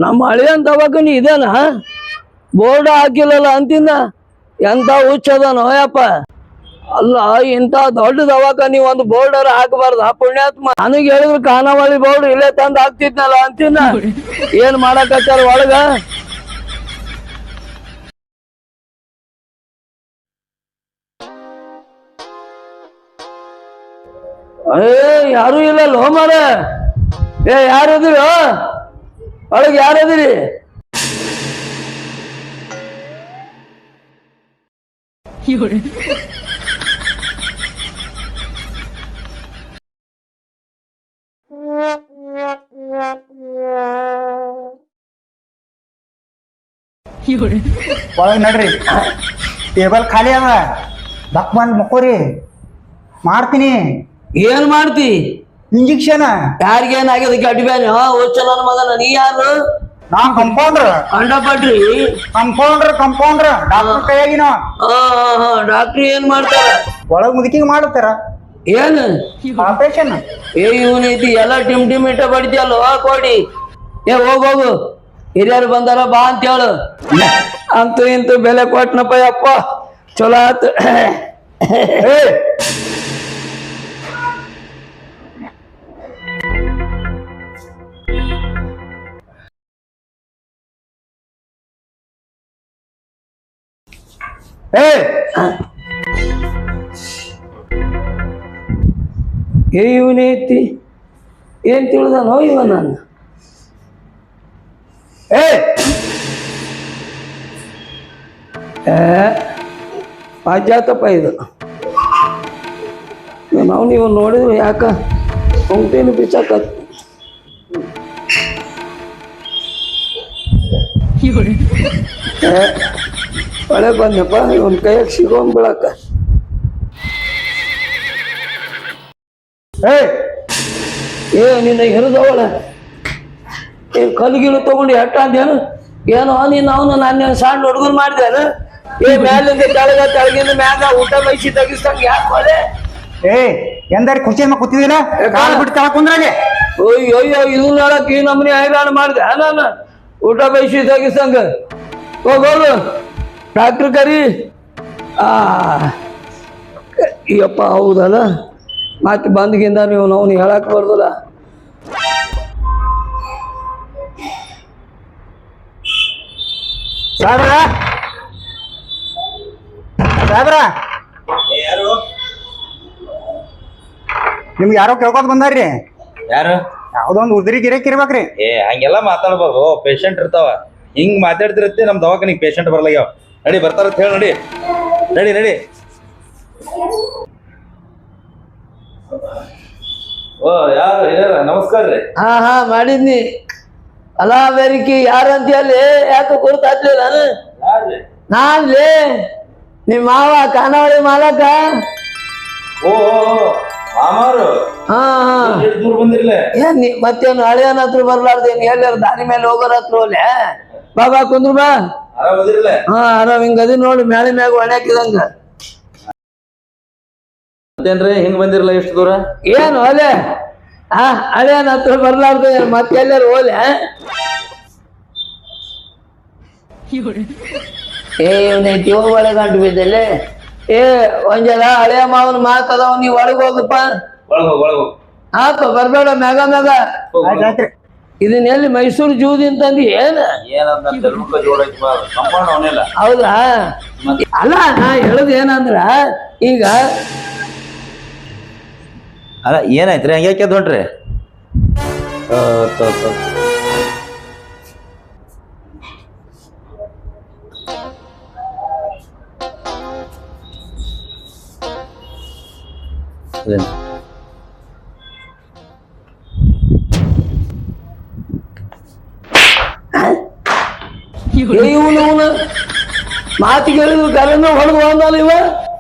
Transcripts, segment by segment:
ನಮ್ಮ ಹಳೆಯನ್ ದವಾಖಾನಿ ಇದೇನ ಬೋರ್ಡ್ ಹಾಕಿಲ್ಲಲ್ಲ ಅಂತಿನ ಎಂತ ಹುಚ್ಚದ ನೋಯಪ್ಪ ಅಲ್ಲ ಇಂತ ದೊಡ್ಡ ದವಾಖಾನಿ ಒಂದು ಬೋರ್ಡರ್ ಹಾಕಬಾರ್ದ ಪುಣ್ಯಾತ್ಮ ನನಗೆ ಹೇಳಿದ್ರು ಖಾನಾವಳಿ ಬೋರ್ಡ್ ಇಲ್ಲೇ ತಂದು ಹಾಕ್ತಿದ್ನಲ್ಲ ಅಂತಿನ ಏನ್ ಮಾಡಕತ್ತಾರ ಒಳಗ ಯಾರು ಇಲ್ಲ ಲೋಮರ ಯಾರದಿರಿ ಒಳಗೆ ಯಾರದಿರಿ ಒಳಗೆ ನಡ್ರಿ ಟೇಬಲ್ ಖಾಲಿ ಅದ ದಕ್ ಬಂದ್ ಮಕ್ಕೋರಿ ಮಾಡ್ತೀನಿ ಏನ್ ಮಾಡ್ತಿ ಇಂಜೆಕ್ಷನ್ ಯಾರಿಗೇನಾಗ್ಯದ ಗಡ್ಬ್ಯಾನಿ ಹುಚ್ಚ ನನ್ನ ಮಗನ ನೀ ಯಾರು ನಾ ಕಂಪೌಂಡ್ರ್ ಕಂಡಪಟ್ರಿ ಕಂಪೌಂಡ್ರ್ ಡಾಕ್ಟರ್ ಕೈಯಾಗಿನ ಡಾಕ್ಟ್ರಿ ಏನ್ ಮಾಡ್ತಾರ ಒಳಗ್ ಮುದುಕಿಗೆ ಮಾಡುತ್ತಾರ ಏನ್ ಆಪರೇಷನ್ ಇವನೈತಿ ಎಲ್ಲ ಟಿಮ್ ಇಟ್ಟ ಬಡಿದ್ಯಲ್ಲ ಕೊಡಿ ಹೋಗು ಹಿರಿಯರು ಬಂದಾರ ಬಾ ಅಂತ ಹೇಳು ಅಂತೂ ಇಂತೂ ಬೆಲೆ ಕೊಟ್ನಪ್ಪ ಯಪ್ಪ ಚಲೋ ಆತು ಇವನೈತಿ ಏನ್ ತಿಳಿದಾನೋ ಇವ ನಾನು ಪಾಜಾತಪ್ಪ ಇದು ನಾವು ನೀವು ನೋಡಿದ್ರು ಯಾಕ ಹೊಂಟೇನು ಬಿಚ್ಚಾಕತ್ ಒಳ್ಳೆ ಬಂದಪ್ಪ ಇವನ್ ಕೈಯಾಗ ಸಿಗೋನ್ ಬಿಳಕ ನಿನ್ನ ಹಿರಿದವಳ ಕಲ್ಗಿಳು ತಗೊಂಡು ಎಟ್ಟ ಅಂದೇನು ಏನೋ ನೀನು ಅವನು ನಾನು ಸಣ್ಣ ಹುಡುಗರು ಮಾಡಿದೇನು ಮ್ಯಾಲಿಂದ ತೆಳಗಿಂದ ಮ್ಯಾಗ ಊಟ ಬಯಸಿ ತೆಗಿಸ್ದಂಗ ಯಾಕೆ ಎಂದಾರಿ ಖುಷಿ ಕೂತಿದಿಲ್ಲ ಕಾಲು ಬಿಟ್ಟು ತಳ ಕುಂದ್ರಾಗೆ ಅಯ್ಯೋ ಇದು ನೋಡಕ್ ಈ ನಮ್ಮನೆ ಹೈರಾಣ ಮಾಡಿದೆ ನಾನು ಊಟ ಬಯಸಿ ತೆಗಿಸ್ದಂಗ ಹೋಗೋದು ಡಾಕ್ಟ್ರ್ ಕರಿ ಅಯ್ಯಪ್ಪ ಹೌದಲ್ಲ ಮತ್ತೆ ಬಂದ್ಗಿಂದ ನೀವು ನಾವು ಹೇಳಕ್ ಬರ್ದಲ್ಲ ಸಾಬ್ರ ಯಾರು ನಿಮ್ಗೆ ಯಾರೋ ಕೇಳ್ಕೊತ ಬಂದಾರ್ರಿ ಯಾರು ಯಾವ್ದೊಂದು ಉದ್ರಿ ಗಿರಕ್ ಇರ್ಬೇಕ್ರಿ ಹಂಗೆಲ್ಲ ಮಾತಾಡ್ಬಾರ್ದು ಪೇಷಂಟ್ ಇರ್ತಾವ ಹಿಂಗ್ ಮಾತಾಡ್ತಿರತ್ತೆ ನಮ್ ದವಾಖಾನಿಗೆ ಪೇಷಂಟ್ ಬರ್ಲಾಗ್ಯಾವ ನಡಿ ಬರ್ತಾರಂತ ಹೇಳಿ ನಡಿ ನಡಿ ನಡಿ ಓ ಯಾರು ಹಿರಿಯರ ನಮಸ್ಕಾರ ರೀ ಹಾ ಮಾಡಿದ್ನಿ ಅಲ್ಲ ಬೇರಿಕಿ ಯಾರಂತ ಹೇಳಿ ಯಾಕೆ ಗುರುತಾಗ್ಲಿಲ್ಲ ಯಾರ್ರಿ ನಾನ್ಲೇ ನಿಮ್ ಮಾವ ಖಾನಾವಳಿ ಮಾಲಕ ಓ ಮಾಮಾರು ಹಾ ಎಷ್ಟು ದೂರ ಬಂದಿರ್ಲ ಏನ್ ಮತ್ತೇನು ಹಳೆಯನ ಹತ್ರ ಬರ್ಲಾರ್ದೇನ್ ಎಲ್ಲಾರ ದಾರಿ ಮೇಲೆ ಹೋಗೋರ ಹತ್ರ ಹೋಗ್ಲೆ ಬಾ ಕುಂದ್ರು ಬಾ ಆರಾಮ್ ಅದಿರ್ಲ ಆರಾಮ್ ಹಿಂಗ ಅದಿ ನೋಡಿ ಮ್ಯಾಲೆ ಮ್ಯಾಗ ಒಣಾಕಿದಂಗ ಮತ್ತೇನ್ರಿ ಹಿಂಗ್ ಬಂದಿರ್ಲ ಎಷ್ಟು ದೂರ ಏನು ಒಲೆ ಹಳೆಯನ ಹತ್ರ ಬರ್ಲಾರ್ದ ಮತ್ತೆ ಎಲ್ಲಾರು ಹೋಲೆ ಇವನೈತಿ ಒಳಗೆ ಗಂಟು ಬಿದ್ದಲೆ ಒಂಜಲ ಹಳೆಯ ಮಾವನ ಮಾತದವ ನೀವ್ ಒಳಗ್ ಹೋಗಪ್ಪ ಒಳಗೋಗ್ ಹಾಪ ಬರ್ಬೇಡ ಮ್ಯಾಗ ಮ್ಯಾಗ ಇದನ್ನ ಎಲ್ಲಿ ಮೈಸೂರು ಜೂದಿಂದ ತಂದಿ ಏನ ಹೌದಾ ಅಲ್ಲ ನಾ ಹೇಳುದು ಏನಂದ್ರ ಈಗ ಅಲ್ಲ ಏನಾಯ್ತ್ರಿ ಹಂಗ್ಯಾಕೆ ಹೊಂಟ್ರಿ ಇವನು ಮಾತಿಗೆ ಹೇಳಿದ್ರು ಗರನ್ನ ಹೊಡೆದು ಹೋದಲ್ಲ ಇವ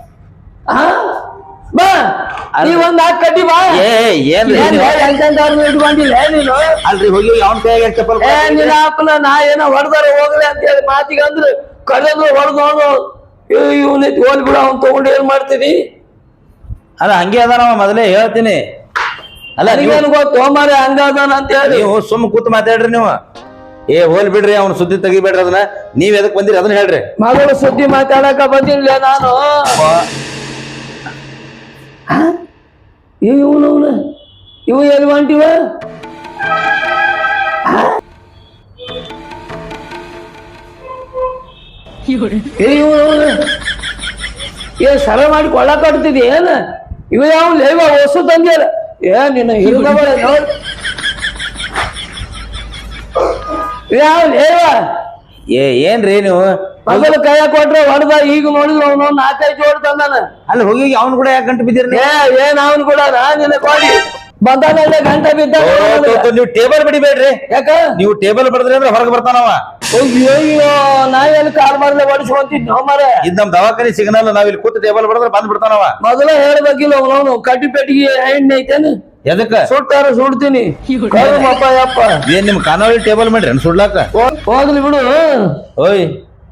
ಬಾ ನೀವೊಂದ್ ಹಾಕಿ ಕಟ್ಟಿ ಬಾ ಇಟ್ಕೊಂಡಿಲ್ಲ ನೀನು ಅಲ್ರಿ ಹೋಗಿ ಅವನ ಕೈಯಾಗ ಚಪ್ಪಲ್ ನಿನ್ನ ಹಾಕಲ್ಲ ನಾ ಏನೋ ಹೊಡೆದಾರ ಹೋಗ್ಲಿ ಅಂತ ಹೇಳಿ ಮಾತಿಗೆ ಅಂದ್ರೆ ಕರೆದು ಹೊಡೆದು ಇವನ ಹೋಲ್ ಬಿಡ ಅವ್ನು ತಗೊಂಡು ಏನ್ ಮಾಡ್ತೀನಿ ಅಲ್ಲ ಹಂಗೆ ಅದ ನಾವ ಮೊದಲೇ ಹೇಳ್ತೀನಿ ಅಲ್ಲ ನೀವೇನು ಗೊತ್ತು ಮಾರೆ ಹಂಗ ಅದಾನ ಅಂತ ಹೇಳಿ ನೀವು ಸುಮ್ಮ ಕೂತ್ ಮಾತಾಡ್ರಿ ನೀವು ಏ ಹೋಲ್ ಬಿಡ್ರಿ ಅವ್ನ ಸುದ್ದಿ ತೆಗಿಬೇಡ್ರಿ ಅದನ್ನ. ನೀವ್ ಎದಕ್ ಬಂದಿರಿ ಅದನ್ನ ಹೇಳ್ರಿ. ಮಗಳ ಸುದ್ದಿ ಮಾತಾಡಕ ಬಂದಿಲ್ಲ ನಾನು. ಇವನು ಇವು ಎಲ್ಲಿ ಹೊಂಟಿವ? ಏ ಸರ ಮಾಡಿ ಕೊಳ್ಳಾಕಡ್ತಿದಿ ಏನ? ಇವ ಯಾವ ಲೇವ ಹೊಸು ತಂದಿಯಲ್ಲ ಏ ನಿನ್ನ ಹಿರಿದವಳ ನೋಡ್ ಯಾವ ಲೇವ ಏನ್ರಿ ನೀವು ಮೊದಲು ಕೈಯ ಕೊಟ್ರೆ ಹೊಡೆದ, ಈಗ ನೋಡಿದ್ರು ಅವನು 4-5 ಜೋಡ್ ತಂದಾನ. ಅಲ್ಲಿ ಹೋಗಿ ಅವ್ನ ಕೂಡ ಯಾಕೆ ಗಂಟು ಬಿದ್ದೀರಿ? ಏನ್ ಅವನು ಕೂಡ ನಿನ್ನ ಕೊಡಿ ಬಂದಾನ ಗಂಟೆ ಬಿದ್ದ. ನೀವು ಟೇಬಲ್ ಬಡಿಬೇಡ್ರಿ. ಯಾಕ ನೀವು ಟೇಬಲ್ ಬಡದ್ರಿ ಅಂದ್ರೆ ಹೊರಗೆ ಬರ್ತಾನವ. ಅಯ್ಯೋ ನಾವೆಲ್ಲಿ ಕಾಲ್ ಮಾಡ್ದೆ ಬಡಿಸ್ಕೊಂತಿದ್ ನಾವು ಮರ. ಇದ್ ನಮ್ ದವಾಖಾನಿ ಸಿಗ್ನಲ್, ನಾವ್ ಇಲ್ಲಿ ಕೂತ್ ಟೇಬಲ್ ಬಡದ್ರೆ ಬಂದ್ ಬಿಡ್ತಾನವ. ಮೊದಲ ಹೇಳ್ಬೇಕಿಲ್ಲ ಅವನು ಕಟ್ಟಿ ಪೆಟ್ಟಿಗೆ ಎಣ್ಣೆ ಐತೇನು ಎದಕ್ಕ ಸುಟ್ಟಾರ ಸುಡ್ತೀನಿ. ಅಪ್ಪ ಯಪ್ಪ ಏನ್ ನಿಮ್ ಖಾನಾವಳಿ ಟೇಬಲ್ ಮಾಡ್ರಿ ಸುಡ್ಲಾಕ? ಹೋಗ್ಲಿ ಬಿಡು. ಓಯ್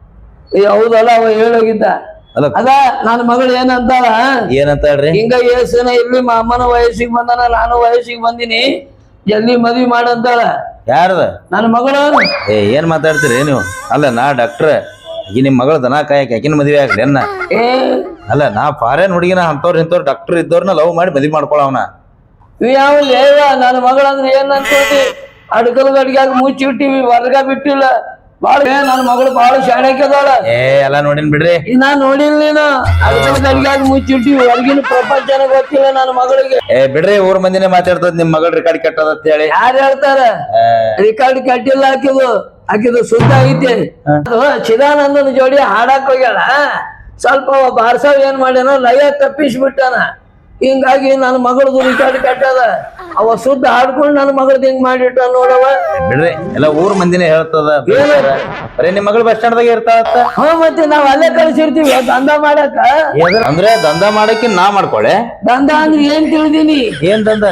ಹೌದಲ್ಲ ಅವ ಹೇಳೋಗಿದ್ದ. ಅಲ್ಲ ಅದ ನನ್ನ ಮಗಳು ಏನಂತಾಳ, ಏನಂತ ಹೇಳ್ರಿ? ಹಿಂಗ ಏಸನ ಇಲ್ಲಿ ಅಮ್ಮನ ವಯಸ್ಸಿಗೆ ಬಂದಾನ, ನಾನು ವಯಸ್ಸಿಗೆ ಬಂದಿನಿ, ಜಲ್ದಿ ಮದ್ವಿ ಮಾಡಂತಾಳ. ಯಾರದ? ನನ್ನ ಮಗಳು. ಏನ್ ಮಾತಾಡ್ತೀರಿ ನೀವು? ಅಲ್ಲ ನಾ ಡಾಕ್ಟ್ರ, ಈ ನಿಮ್ ಮಗಳ ದನ ಕಾಯಕ್ ಯಾಕಿನ ಮದ್ವೆ ಆಗ್ಲಿ ಅನ್ನ? ಅಲ್ಲ ನಾ ಫಾರೇನ್ ಹುಡುಗಿನ ಅಂತವ್ರ ಇಂಥವ್ರು ಡಾಕ್ಟರ್ ಇದ್ದವ್ರನ್ನ ಲವ್ ಮಾಡಿ ಮದ್ವಿ ಮಾಡ್ಕೊಳವನ. ಯಾವ ಲೇವ ನನ್ನ ಮಗಳಂದ್ರೆ ಏನ್ ಅನ್ಕೋತಿ? ಅಡ್ಕಲ್ ಗಡಿಗ್ಯಾಗ ಮುಚ್ಚಿಟ್ಟಿವಿ, ಹೊರಗ ಬಿಟ್ಟಿಲ್ಲ. ಬಾಳ ನನ್ನ ಮಗಳು ಬಾಳ ಶಾಣಕ್ಯದಾಳ. ಎಲ್ಲ ನೋಡಿನ್ ಬಿಡ್ರಿ. ನಾನ್ ನೋಡಿಲ್ಲ ನೀನು. ಅಡ್ಕಲ್ ಗಡಿಗ್ಯಾಗ ಮುಚ್ಚಿಟ್ಟಿವಿ, ಹೊರಗಿನ ಪ್ರಪಂಚನ ಗೊತ್ತಿಲ್ಲ ನನ್ನ ಮಗಳಿಗೆ. ಬಿಡ್ರಿ, ಊರ್ ಮಂದಿನೇ ಮಾತಾಡ್ತದ ನಿಮ್ ಮಗಳ ರೆಕಾರ್ಡ್ ಕೆಟ್ಟದ ಅಂತ ಹೇಳಿ. ಯಾರು ಹೇಳ್ತಾರ? ರಿಕಾರ್ಡ್ ಕಟ್ಟಿಲ್ಲ ಆಕಿದು ಶುದ್ಧ ಐತಿ. ಚಿದಾನಂದನ ಜೋಡಿ ಹಾಡಕ್ ಹೋಗ್ಯಾಳ. ಸ್ವಲ್ಪ ಬಾರ್ಸಾವ್ ಏನ್ ಮಾಡ್ಯಾನ, ಲಯ ತಪ್ಪಿಸ್ಬಿಟ್ಟಾನ. ಹಿಂಗಾಗಿ ನನ್ನ ಮಗಳದು ರಿಕಾರ್ಡ್ ಕಟ್ಟದ. ಅವ ಶುದ್ಧ ಹಾಡ್ಕೊಂಡು ನನ್ನ ಮಗಳದ್ ಹಿಂಗ್ ಮಾಡಿಟ್ಟ ನೋಡವ. ಬಿಡ್ರಿ, ಎಲ್ಲ ಊರ್ ಮಂದಿನೇ ಹೇಳ್ತದ. ಬರೀ ನಿಮ್ ಮಗಳು ಬಸ್ ಸ್ಟ್ಯಾಂಡ್ ದಾಗ ಇರ್ತಾವತ್ತ. ಮತ್ತೆ ನಾವ್ ಅಲ್ಲೇ ಕಳ್ಸಿರ್ತೀವಿ ದಂಧ ಮಾಡಕ. ಅಂದ್ರೆ ದಂಧ ಮಾಡಕ್ಕೆ ನಾ ಮಾಡ್ಕೊಳೆ. ದಂಧ ಅಂದ್ರೆ ಏನ್ ತಿಳಿದೀನಿ? ಏನ್ ದಂಧ?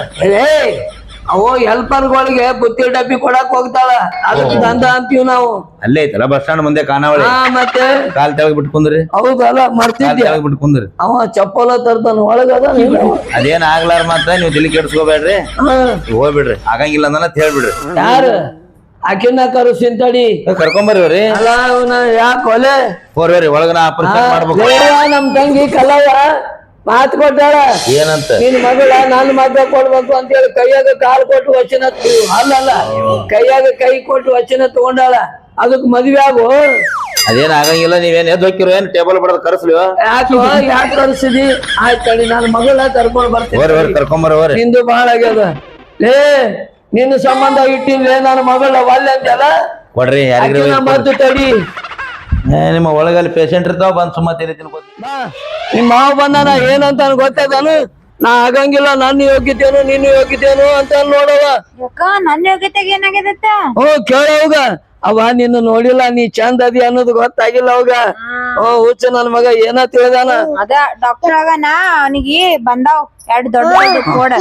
ಅವು ಹೆಲ್ಪರ್ಗಳಿಗೆ ಬುತ್ತಿ ಡಬ್ಬಿ ಕೊಡಕ್ ಹೋಗ್ತಾಳ, ಅದಕ್ಕೆ ದಂಧ ಅಂತೀವಿ ನಾವು. ಅಲ್ಲೇ ಐತಲ್ಲ ಬಸ್ ಸ್ಟ್ಯಾಂಡ್ ಮುಂದೆ ಖಾನಾವಳಿ. ಮತ್ತೆ ಕಾಲ್ ತೆಳಗ್ ಬಿಟ್ಕೊಂಡ್ರಿ. ಹೌದಲ್ಲ ಮರ್ತಿದ್ದೆ. ಬಿಟ್ಕೊಂಡ್ರಿ. ಅವ ಚಪ್ಪಲ ತರ್ತಾನ ಒಳಗದ. ಅದೇನ್ ಆಗ್ಲಾರ ಮಾತ್ರ ನೀವ್ ತಲೆ ಕೆಡ್ಸ್ಕೋಬೇಡ್ರಿ, ಹೋಗ್ಬಿಡ್ರಿ. ಆಗಂಗಿಲ್ಲ ಅಂತ ಹೇಳ್ಬಿಡ್ರಿ. ಯಾರು ಆಕಿನ ಕರುಸಿಂತಡಿ ಕರ್ಕೊಂಬರ್ರಿ. ಅಲ್ಲ ಅವನ ಯಾಕೆ ಒಲೆ ಹೋರ್ರಿ ಒಳಗ ನಾ ಆಪರೇಷನ್ ಮಾಡ್ಬೇಕು. ನಮ್ ತಂಗಿ ಕಲವ ಮಾತು ಕೊಟ್ಟಾಳ. ಏನಂತ? ನಿನ್ ಮಗಳ ನನ್ನ ಮಗ ಕೊಡ್ಬೇಕು ಅಂತ ಹೇಳಿ ಕೈಯಾಗ ಕಾಲು ಕೊಟ್ಟು ವಚನ ಅಲ್ಲಲ್ಲ ಕೈಯಾಗ ಕೈ ಕೊಟ್ಟು ವಚನ ತಗೊಂಡಾಳ. ಅದಕ್ ಮದ್ವೆ ಆಗು. ಅದೇನ್ ಆಗಂಗಿಲ್ಲ. ನೀವೇನ್ ಎದ್ ಹೋಗಿರೋ ಏನ್ ಟೇಬಲ್ ಬಡದ್ ಕರ್ಸ್ಲಿ? ಯಾಕೆ ಕರ್ಸಿದಿ? ಆಯ್ತು ತಡಿ, ನನ್ನ ಮಗಳ ಕರ್ಕೊಂಡ್ ಬರ್ತೀನಿ. ಕರ್ಕೊಂಬರ್ರಿ. ನಿಂದು ಬಾಳ ಆಗ್ಯದ ಲೇ. ನಿನ್ನ ಸಂಬಂಧ ಇಟ್ಟಿಲ್ಲ ನನ್ನ ಮಗಳ ಒಲ್ಲೆ ಅಂತಲ್ಲ. ಕೊಡ್ರಿ ಯಾರಿಗ ಮತ್ತು ತಡಿ. ನಿಮ್ಮ ಒಳಗಲ್ಲಿ ಪೇಷಂಟ್ ಇರ್ತಾವ ಬಂದ್ ಸುಮ್ಮ ತಿನ್ನಿ. ನಿಮ್ ಮಾವ ಬಂದಾನ ಏನಂತ ಗೊತ್ತದಾನು? ನಾ ಆಗಂಗಿಲ್ಲ, ನನ್ನ ಯೋಗ್ಯತೇನು ನಿನ್ನ ಯೋಗ್ಯತೇನು ಅಂತ ನೋಡವ. ನನ್ನ ಯೋಗ್ಯತೆಗೆ ಏನಾಗ್ಯದತ್ತ? ಕೇಳವಾಗ ಅವ ನಿನ್ನ ನೋಡಿಲ್ಲ, ನೀ ಚಂದ ಅದಿ ಅನ್ನೋದು ಗೊತ್ತಾಗಿಲ್ಲ ಅವಾಗ. ಹುಚ್ಚ ನನ್ ಮಗ ಏನ ತಿಳಿದಾನ. ಅದ ಡಾಕ್ಟರ್ ಆಗನ ಅವನಿಗೆ ಬಂದಾವ್ 2 ದೊಡ್ಡ ಕೋಡ.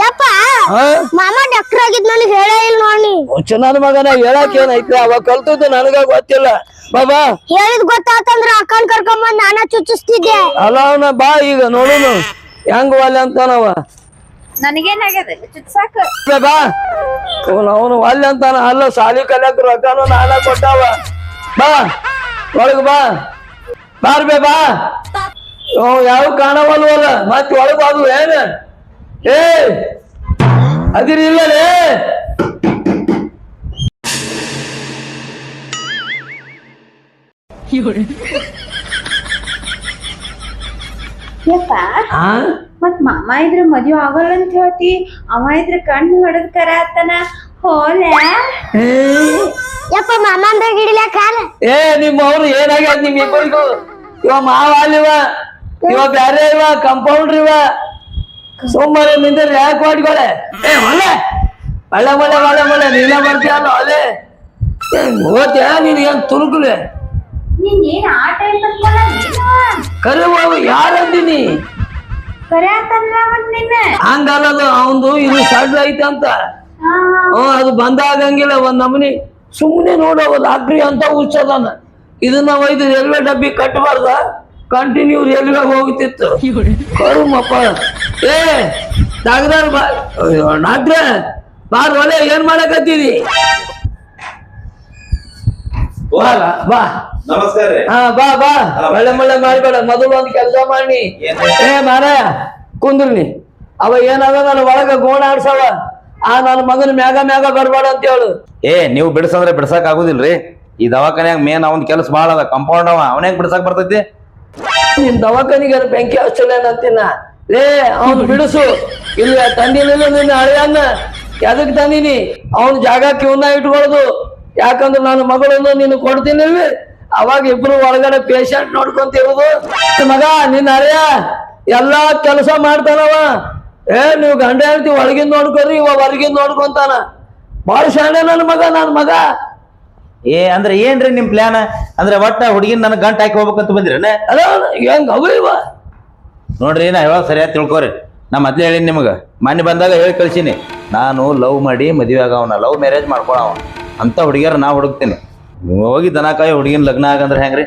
ಮಾಮ ಡಾಕ್ಟರ್ ಆಗಿದ್ ನನಗೆ ಹೇಳೇ ಇಲ್ಲ ನೋಡಿ. ಹುಚ್ಚ ನನ್ ಮಗನ ಹೇಳಕ್ ಏನೈತಿ? ಅವ ಕಲ್ತದ್ದು ನನಗ ಗೊತ್ತಿಲ್ಲ. ಬಾಬಾ ಹೇಳಿದ್ ಗೊತ್ತಾತಂದ್ರ ಅಕ್ಕನ್ ಕರ್ಕೊಂಬಂದ್ ನಾನ ಚುಚ್ಚಿಸ್ತಿದ್ದೆ. ಅಲ್ಲ ಅವನ ಬಾ ಈಗ ನೋಡುನು ಹೆಂಗ ಒಲ್ಲೆ ಅಂತಾನವ. ನನಗೇನಾಗ್ಯದ ಚುಚ್ಚಾಕ? ಬಾ ಅವನು ಒಲ್ಲೆ ಅಂತಾನ. ಅಲ್ಲ ಸಾಲಿ ಕಲ್ಯಾಕ ರೊಕ್ಕನು ನಾನ ಕೊಟ್ಟಾವ. ಬಾ ಒಳಗ ಬಾ. ಬಾರ್ಬೇ ಬಾ. ಯಾವ ಕಾಣವಲ್ವಲ್ಲ ಮತ್ ಒಳಗ ಅದು ಏನ? ಅದಿರಿ ಇಲ್ಲಲೇ. ಯಪ್ಪ ಮತ್ ಮಾಮ ಇದ್ರ ಮದ್ವೆ ಆಗಲ್ಲ ಅಂತ ಹೇಳ್ತಿ, ಅವ ಇದ್ರ ಕಣ್ಣು ಹೊಡೆದ್ ಕರಾತನ ಹೋಲ. ಯಪ್ಪ ಮಾಮ ಅಂದಾಗ ಹಿಡಿಲ ಕಾಲ. ನಿಮ್ಮ ಅವ್ರು ಏನಾಗ್ಯದ ನಿಮ್ ಇಬ್ಬರಿಗೂ? ಇವ ಮಾವ ಅಲ್ಲಿವ, ಇವ ಬ್ಯಾರೆ ಇವ ಕಂಪೌಂಡ್ರ್ ಇವ. ಸೋಮವಾರ ನಿಂದ್ರೆ ಯಾಕೆ ಮಾಡಿಕೊಳೆ? ಒಳ್ಳೆ ಒಳ್ಳೆ ಒಳ್ಳೆ ಒಳ್ಳೆ ಒಳ್ಳೆ ನೀನ ಬರ್ತೀಯಲ್ಲ ಅಲ್ಲೇ ಓದ್ಯ ನೀನ್ ಏನ್ ತುರುಕುಲೆ? ನೀನ್ ಏನ್ ಆ ಟೈಮ್ ಕರೆ ಯಾರಂತೀನಿ ಕರೆ ಅಂತಂದ್ರ ನಿನ್ನ ಹಂಗಲ್ಲದು ಅವಂದು ಇದು ಸಡ್ಲ ಐತೆ ಅಂತ. ಅದು ಬಂದಾಗಂಗಿಲ್ಲ ಒಂದ್ ನಮನಿ. ಸುಮ್ಮನೆ ನೋಡವ ಲಾಕ್ರಿ ಅಂತ ಹುಚ್ಚದಾನ. ಇದನ್ನ ಒಯ್ದು ರೈಲ್ವೆ ಡಬ್ಬಿ ಕಟ್ಟಬಾರ್ದ, ಕಂಟಿನ್ಯೂ ರೈಲ್ವೆ ಹೋಗ್ತಿತ್ತು. ಕರುಮಪ್ಪ ಡಾಕ್ಟರ್ ಡಾಕ್ಟ್ರೆ ಬಾರ್ ಒಲೆ ಏನ್ ಮಾಡಕತ್ತೀರಿ? ಬಾ ಬಾ ನಮಸ್ಕಾರ ರೀ. ಹಾ ಬಾ ಬಾ ಒಳ್ಳೆ ಮಳ್ಳೆ ಮಾಡ್ಬೇಡ ಮೊದಲು ಒಂದ್ ಕೆಲಸ ಮಾಡಿ ಏ ಮಾರ ಕುಂದ್ರಿ ಅವ ಏನದ ನನ್ನ ಒಳಗ ಗೋಣ ಆಡ್ಸವ ಆ ನನ್ನ ಮಗನ ಮ್ಯಾಗ ಮ್ಯಾಗ ಬರ್ಬೇಡ ಅಂತ ಹೇಳು. ಏ ನೀವು ಬಿಡ್ಸಂದ್ರೆ ಬಿಡ್ಸಕ್ ಆಗುದಿಲ್ರಿ. ಈ ದವಾಖಾನ್ಯಾಗ ಮೇನ್ ಅವನ್ ಕೆಲಸ ಬಾಳ ಅದ. ಕಂಪೌಂಡ್ ಅವನೇ ಬಿಡ್ಸಕ್ ಬರ್ತೈತಿ. ನಿನ್ ದವಾಖಾನಿಗೆ ಬೆಂಕಿ ಹಚ್ಚಲೇನಂತೀನ ಲೇ ಅವ್ನು ಬಿಡಿಸು. ಇಲ್ಲ ತಂದಿಲ್ಲ ನಿನ್ನ ಹಳೆಯನ್ನ ಎದಕ್ ತಂದಿನಿ ಅವನ ಜಾಗಕ್ಕೆ ಇವನ್ನ ಇಟ್ಕೊಳ್ದು. ಯಾಕಂದ್ರೆ ನನ್ನ ಮಗಳನ್ನು ನೀನು ಕೊಡ್ತೀನಿ ಅವಾಗ ಇಬ್ರು ಒಳಗಡೆ ಪೇಷಂಟ್ ನೋಡ್ಕೊಂತಿರೋದು. ಮಗ ನಿನ್ನ ಹಳೆಯ ಎಲ್ಲಾ ಕೆಲಸ ಮಾಡ್ತಾನವ. ನೀವು ಗಂಡ ಹೇಳ್ತಿ ಒಳಗಿಂದ ನೋಡ್ಕೊರಿ ಇವ ಹೊರಗಿಂದ ನೋಡ್ಕೊಂತಾನ. ಬಾಳ ಶಾಣೆ ನನ್ನ ಮಗ. ಏ ಅಂದ್ರೆ ಏನ್ರಿ ನಿಮ್ ಪ್ಲಾನ್? ಅಂದ್ರೆ ಒಟ್ಟ ಹುಡುಗಿನ ನನಗ್ ಗಂಟ ಹಾಕಿ ಹೋಗ್ಬೇಕಂತ ಬಂದ್ರೇನ? ಅಲ್ಲ ಹೆಂಗ್ ಅವ ಇವ ನೋಡ್ರಿ ನಾ ಹೇಳೋದು ಸರಿಯಾಗಿ ತಿಳ್ಕೊರಿ. ನಾ ಮೊದ್ಲೇ ಹೇಳಿನಿ ನಿಮ್ಗೆ, ಮನೆ ಬಂದಾಗ ಹೇಳಿ ಕಳ್ಸೀನಿ. ನಾನು ಲವ್ ಮಾಡಿ ಮದುವೆ ಆಗವನ, ಲವ್ ಮ್ಯಾರೇಜ್ ಮಾಡ್ಕೊಳವ ಅಂತ ಹುಡುಗಿಯರ ನಾ ಹುಡುಕ್ತೀನಿ. ಹೋಗಿ ದನಕಾಯಿ ಹುಡುಗಿನ ಲಗ್ನ ಆಗಂದ್ರೆ ಹೆಂಗ್ರಿ?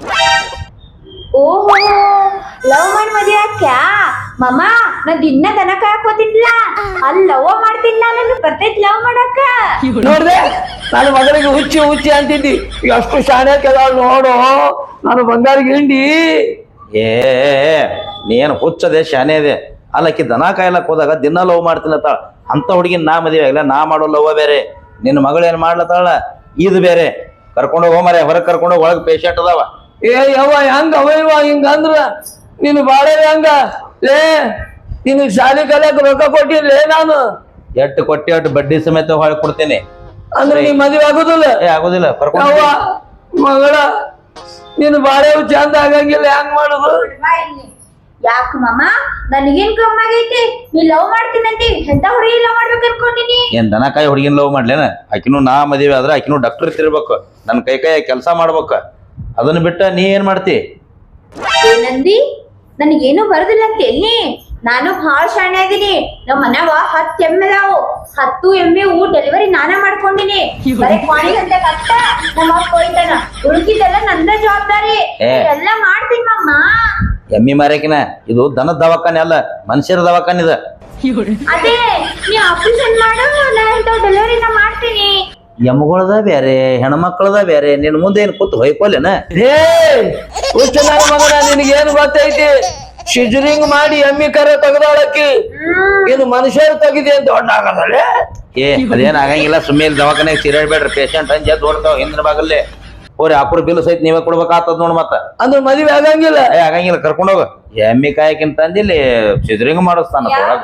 ಓಹೋ ಲವ್ ಮಾಡಿ ಮದುವೆ ಹಾಕ್ಯಾ ಮಮ್ಮ? ನಾ ದಿನ ದನ ಕಾಯಕೋತಿನ್ಲ ಅಲ್ಲಿ ಲವ್ ಮಾಡ್ತೀನಿ. ನಾನು ಬರ್ತೈತಿ ಲವ್ ಮಾಡಕ್ಕ. ನೋಡ್ದೆ ನನ್ನ ಮಗಳಿಗೆ ಹುಚ್ಚಿ ಅಂತಿದ್ದಿ. ಎಷ್ಟು ಶಾಣೆ ಕೆಲ ನೋಡು ನಾನು ಬಂಗಾರ ಗಿಂಡಿ. ಏ ನೀನು ಹುಚ್ಚದೆ ಶಾನೆ ಇದೆ. ಅಲ್ಲಕ್ಕಿ ದನ ಕಾಯ್ಲಕ್ ಹೋದಾಗ ದಿನ ಲವ್ ಮಾಡ್ತೀನತ್ತಾಳ. ಅಂತ ಹುಡುಗಿನ ನಾ ಮದುವೆ ಆಗಿಲ್ಲ. ನಾ ಮಾಡೋ ಲವ್ ಬೇರೆ, ನಿನ್ನ ಮಗಳು ಏನ್ ಮಾಡ್ಲತ್ತಾಳ ಇದು ಬೇರೆ. ಕರ್ಕೊಂಡೋಗಿ ಹೋಮರೆ ಹೊರಗೆ ಕರ್ಕೊಂಡೋಗಿ ಒಳಗೆ ಪೇಷಂಟ್ ಅದಾವ. ಏ ಯವ್ವ ಹೆಂಗ ಅವ ಇವ ಹಿಂಗಂದ್ರ ನೀನು ಬಾಳೆ ಹೆಂಗ ಲೇ? ನಿನಗ್ ಶಾಲೆ ಕಲಿಯಕ್ ರೊಕ್ಕ ಕೊಟ್ಟಿರ್ಲೇ ನಾನು. ಎಟ್ಟು ಕೊಟ್ಟಿ ಅಟ್ಟು ಬಡ್ಡಿ ಸಮೇತ ಹೊಳ್ ಕೊಡ್ತೇನೆ. ಅಂದ್ರೆ ನೀ ಮದುವೆ ಆಗುದಿಲ್ಲ? ಏ ಆಗುದಿಲ್ಲ. ಕರ್ಕೊಂಡು ಯವ್ವ ಮಗಳ ನೀನು ಬಾಳೆ ಚಂದ ಆಗಂಗಿಲ್ಲ, ಹೆಂಗ್ ಮಾಡುದು? ಯಾಕ ಮಮ್ಮ ನನಗೇನ್ ಕಮ್ಮಿ ಆಗೈತಿ? ನೀ ಲವ್ ಮಾಡ್ತೀನಂತಿ ಎಂತ ಹುಡುಗಿ ಲವ್ ಮಾಡ್ಬೇಕು ಅನ್ಕೊಂಡಿನಿ. ಏನ್ ದನಕಾಯಿ ಹುಡುಗಿನ ಲವ್ ಮಾಡ್ಲೇನ? ಆಕಿನೂ ನಾ ಮದುವೆ ಆದ್ರೆ ಆಕಿನೂ ಡಾಕ್ಟರ್ ತಿರ್ಬೇಕು, ನನ್ನ ಕೈ ಕೆಲಸ ಮಾಡ್ಬೇಕ. ಅದನ್ನ ಬಿಟ್ಟ ನೀ ಏನ್ ಮಾಡ್ತಿ? ಏನಂದಿ? ನನಗೇನು ಬರುದಿಲ್ಲ ಅಂತ ಎಲ್ಲಿ? ನಾನು ಭಾಳ ಶಾಣೆ ಅದೀನಿ. ನಮ್ಮ ಮನ್ಯಾಗ 10 ಎಮ್ಮೆ ಅದಾವು. 10 ಎಮ್ಮೆ ಡೆಲಿವರಿ ನಾನೇ ಮಾಡ್ಕೊಂಡಿನಿ. ಬರೀ ಕ್ವಾಣಿ ಗಂಟೆ ಕಷ್ಟ ನಮ್ಮ ಅಪ್ಪ ಹೋಯ್ತಾನ. ಉಳ್ಕಿದ್ದೆಲ್ಲ ನಂದ ಜವಾಬ್ದಾರಿ. ಎಲ್ಲ ಮಾಡ್ತೀನಿ ಮಮ್ಮ. ಎಮ್ಮಿ ಮಾರ್ಯಾಕಿನ ಇದು ದನದ ದವಾಖಾನೆ ಅಲ್ಲ, ಮನುಷ್ಯರ ದವಾಖಾನೆ ಇದ. ಅದೇ ನೀ ಆಪರೇಷನ್ ಮಾಡು, ನಾ ಇಂಥ ಡೆಲಿವರಿ ನಾ ಮಾಡ್ತೀನಿ. ಎಮ್ಮಗಳದ ಬೇರೆ, ಹೆಣ್ಮಕ್ಳದ ಬೇರೆ. ನಿನ್ ಮುಂದೆ ಏನ್ ಕೂತ್ ಹೊಯ್ಕೊಲೇನ? ಹೇ ಹುಚ್ಚ ನನ್ನ ಮಗನ, ನಿನಗೇನು ಗೊತ್ತೈತಿ? ಸಿಜರಿಂಗ್ ಮಾಡಿ ಎಮ್ಮಿ ಕರೆ ತೆಗ್ದಾಳಕ್ಕಿ. ಇದು ಮನುಷ್ಯರು ತೆಗಿದೆ ಅಂತ ದೊಡ್ಡ ಆಗದಲ್ಲೇ. ಏ ಅದೇನ್ ಆಗಂಗಿಲ್ಲ. ಸುಮ್ಮನೆ ದವಾಖಾನೆಗೆ ಸಿರಾಡ್ಬೇಡ್ರಿ. ಪೇಷಂಟ್ ಅಂಜ ದೊಡ್ತಾವ ಹಿಂದಿನ ಭಾಗಲ್ಲೇ. ಹೋರಿ ಅಪ್ರ ಬಿಲ್ ಸಹಿತ ನೀವೇ ಕೊಡ್ಬೇಕಾಗ್ತದ ನೋಡ್. ಮತ್ತ ಅಂದ್ರೆ ಮದುವೆ ಆಗಂಗಿಲ್ಲ. ಏ ಆಗಂಗಿಲ್ಲ. ಕರ್ಕೊಂಡೋಗ. ಎಮ್ಮಿ ಕಾಯಕಿಂತ ಅಂದಿಲ್ಲಿ ಸಿಜರಿಂಗ್ ಮಾಡಿಸ್ತಾನ ಒಳಗ.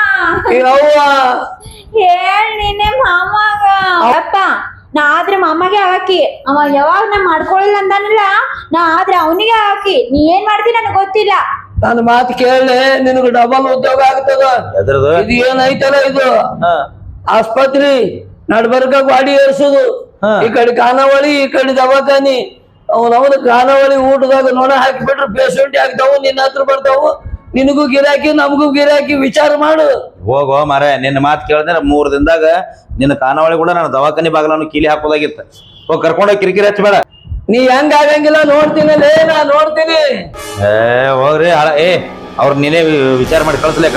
ಹೇಳ್ ನೀನೆ ಮಾಮಾಗ. ಅಪ್ಪ ನಾ ಆದ್ರೆ ಮಾಮಗೆ ಹಾಕಿ ಅವ ಯಾವಾಗ ನಾ ಮಾಡ್ಕೊಳ್ಳಿಲ್ಲ ಅಂದಾನಲ್ಲ, ನಾ ಆದ್ರೆ ಅವನಿಗೆ ಹಾಕಿ. ನೀ ಏನ್ ಮಾಡ್ತಿ ನನಗೆ ಗೊತ್ತಿಲ್ಲ. ನನ್ನ ಮಾತು ಕೇಳಿ ನಿನಗೆ ಡಬಲ್ ಉದ್ಯೋಗ ಆಗ್ತದ. ಎದ್ರದು? ಇದು ಏನೈತಲ್ಲ ಇದು ಆಸ್ಪತ್ರೆ ನಡ್ಬರ್ಕ ಗಾಡಿ ಏರ್ಸುದು. ಈ ಕಡೆ ಖಾನಾವಳಿ, ಈ ಕಡೆ ದವಾಖಾನಿ. ಅವನವನ ಖಾನಾವಳಿ ಊಟದಾಗ ನೋಡ ಹಾಕಿಬಿಟ್ರೆ ಪೇಷಂಟ್ ಆಗ್ತಾವು, ನಿನ್ನ ಹತ್ರ ಬರ್ತಾವು. ನಿನಗೂ ಗಿರಾಕಿ ನಮಗೂ ಗಿರಾಕಿ. ವಿಚಾರ ಮಾಡು. ಹೋಗೋ ಮಾರ, ನಿನ್ನ ಮಾತು ಕೇಳಿದ್ರೆ 3 ದಿನದಾಗ ನಿನ್ನ ಖಾನಾವಳಿ ಕೂಡ ನಾನು ದವಾಖಾನಿ ಬಾಗಲನ್ನು ಕೀಲಿ ಹಾಕೋದಾಗಿತ್ತ. ಹೋಗಿ ಕರ್ಕೊಂಡೋಗಿ ಕಿರಿಕಿರಿ ಹಚ್ಚಬೇಡ. ನೀ ಹೆಂಗ ಆಗಂಗಿಲ್ಲ ನೋಡ್ತೀನಿ, ನಾ ನೋಡ್ತೀನಿ. ಏ ಹೋಗ್ರಿ. ಏ ಅವ್ರ ನೀನೇ ವಿಚಾರ ಮಾಡಿ ಕಳ್ಸ್ಲೇಕ.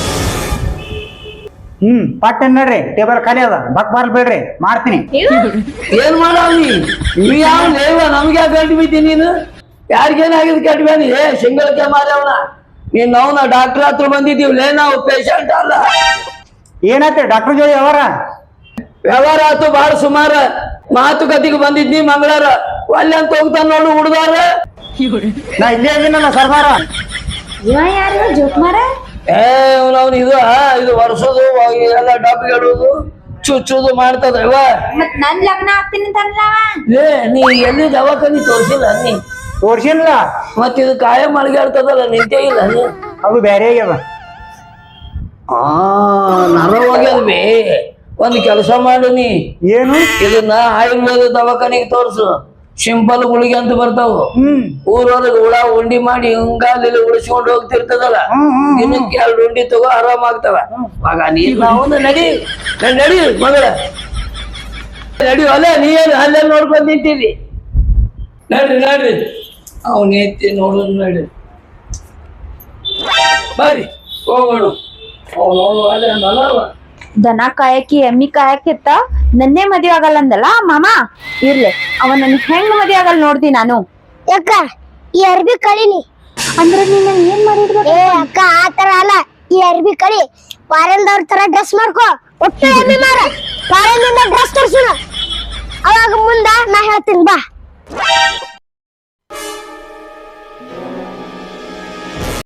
ಪಟ್ಟ ನೋಡ್ರಿ ಟೇಬಲ್ ಖಾಲಿ ಅದ. ಬಕ್ ಬರ್ಬೇಡ್ರಿ, ಮಾಡ್ತೀನಿ. ಏನ್ ಮಾಡವ್ನಿ ನೀ? ಯಾವ ಲೇವ ನಮ್ಗೆ ಯಾಕೆ ಗಂಟು ಬಿದ್ದಿ ನೀನು? ಯಾರಿಗೇನಾಗಿದ್ ಕೆಟ್ಟ ಬೇನಿ? ಸಿಂಗಳಕ್ಕೆ ಮಾರವನ ನೀನ್. ಅವನ ಡಾಕ್ಟರ್ ಹತ್ರ ಬಂದಿದ್ದೀವಿ, ನಾವು ಪೇಷಂಟ್ ಅಲ್ಲ. ಏನಾಯ್ತು ಡಾಕ್ಟರ್ ಜೋಡಿ ಅವರ? ವ್ಯವಹಾರ ಆತು ಬಾಳ ಸುಮಾರ. ಮಾತುಕತೆಗೆ ಬಂದಿದ್ನಿ ಮಂಗಳಾರ. ಒಳ್ಳೆ ಅಂತ ಹೋಗ್ತಾನ ನೋಡು ಹುಡುಗಾರ. ನಾ ಇಲ್ಲೇ ಇದೀನಲ್ಲ ಸರ್ದಾರ. ಇವ ಯಾರು ಜೋಕ್ ಮಾರ? ಅವ್ನು ಇದು ವರ್ಷದು ಎಲ್ಲ ಡಬ್ಬಿ ಇಡುದು ಚುಚ್ಚುದು ಮಾಡ್ತದ. ಮತ್ ನನ್ ಲಗ್ನ ಆಗ್ತೀನಿ ಅಂತಲ್ಲ. ನೀ ಎಲ್ಲಿ ದವಾಖಾನಿ ತೋರ್ಸಿಲ್ಲ ನೀ? ತೋರ್ಸಿಲ್ಲ. ಮತ್ ಇದು ಕಾಯ ಮಳಗಾಡ್ತದಲ್ಲ, ನಿಂತೇ ಇಲ್ಲ ನೀ? ಅದು ಬೇರೆ ಆಗ್ಯದ. ನರ ಹೋಗ್ಯದ್ಬೇ. ಒಂದ್ ಕೆಲಸ ಮಾಡು ನೀ. ಏನು? ಇದನ್ನ ಆಯುರ್ವೇದ ದವಾಖಾನಿಗೆ ತೋರ್ಸು. ಸಿಂಪಲ್ ಗುಳಿಗೆ ಅಂತ ಬರ್ತಾವು. ಊರೊಳಗೆ ಹುಳ ಉಂಡಿ ಮಾಡಿ ಹಿಂಗಾಲಿ ಉಳಿಸ್ಕೊಂಡು ಹೋಗ್ತಿರ್ತದಲ್ಲ, ದಿನಕ್ಕೆ 2 ಉಂಡಿ ತಗೋ, ಆರಾಮಾಗ್ತವ. ಮಗ ನೀನು ನಡಿ ನಡಿ ಮಗಳ ನಡಿ. ಅಲ್ಲ ನೀ ಏನು ಅಲ್ಲೇ ನೋಡ್ಕೊಂಡ್ ನಿಂತೀವಿ. ನಡ್ರಿ ಅವನ್ ಎತ್ತಿ ನೋಡೋದು. ನಡಿ ಬರ್ರಿ ಹೋಗೋಣ. ಅವನು ಅಲ್ಲೇ ಮನವ ದನ ಕಾಯಕಿ ಎಮ್ಮಿ ಕಾಯಕಿತ್ತ ನನ್ನೇ ಮದ್ವೆ ಆಗಲ್ಲ ಅಂದಲ್ಲ ಮಾಮ. ಇರ್ಲಿ, ಅವ ನನ್ ಹೆಂಗ್ ಮದ್ವೆ ಆಗಲ್ಲ ನೋಡ್ದಿ ನಾನು. ಯಾಕ ಈ ಅರ್ಬಿ ಕಳಿನಿ. ಅಂದ್ರ ನೀನ್ ಏನ್ ಮಾಡಿದ್ವ? ಏ ಅಕ್ಕ ಆತರ ಅಲ್ಲ, ಈ ಅರ್ಬಿ ಕಳಿ ಪಾರೆಲ್ದವ್ರ ತರ ಡ್ರೆಸ್ ಮಾಡ್ಕೋ. ಒಟ್ಟು ಎಮ್ಮಿ ಮಾರ ಪಾರೆಲ್ನಿಂದ ಡ್ರೆಸ್ ತರ್ಸುನ, ಅವಾಗ ಮುಂದ ನಾ ಹೇಳ್ತೀನಿ ಬಾ.